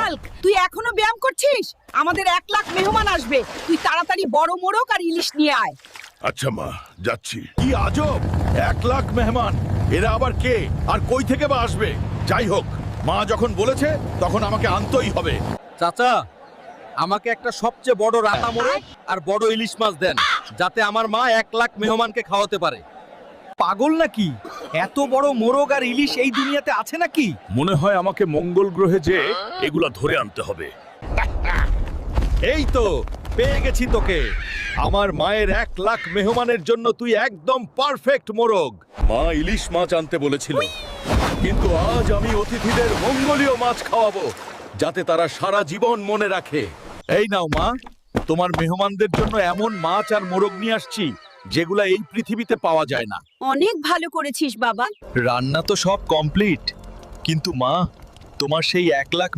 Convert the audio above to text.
Hulk, তুই এখনো ব্যায়াম করছিস? আমাদের 1 লাখ মেহমান আসবে, তুই তাড়াতাড়ি বড় মোড়ক আর ইলিশ নিয়ে আয়। আচ্ছা মা, যাচ্ছি। কি আজব, 1 লাখ মেহমান! এরা আবার কে আর কই থেকে বা আসবে? যাই হোক, মা যখন বলেছে তখন আমাকে আনতেই হবে। চাচা, আমাকে একটা সবচেয়ে বড় রাতা মোরগ আর বড় ইলিশ মাছ দেন, যাতে আমার মা 1 লাখ মেহমানকে খাওয়াতে পারে। পাগল নাকি? এত বড় মোরগ আর ইলিশ এই দুনিয়াতে আছে নাকি? মনে হয় আমাকে মঙ্গল গ্রহে যে এগুলা ধরে আনতে হবে। এই তো পেয়ে গেছি তোকে। আমার মায়ের 1 লাখ মেহমানের জন্য তুই একদম পারফেক্ট মোরগ। মা ইলিশ মাছ আনতে বলেছিল, কিন্তু আজ আমি অতিথিদের মঙ্গলীয় মাছ খাওয়াবো, যাতে তারা সারা জীবন মনে রাখে। এই নাও মা, তোমার মেহমানদের জন্য এমন মাছ আর মোরগ নিয়ে আসছি যেগুলা এই পৃথিবীতে পাওয়া যায় না। অনেক ভালো করেছিস বাবা। রান্না তো সব কমপ্লিট, কিন্তু মা, তোমার সেই 1 লাখ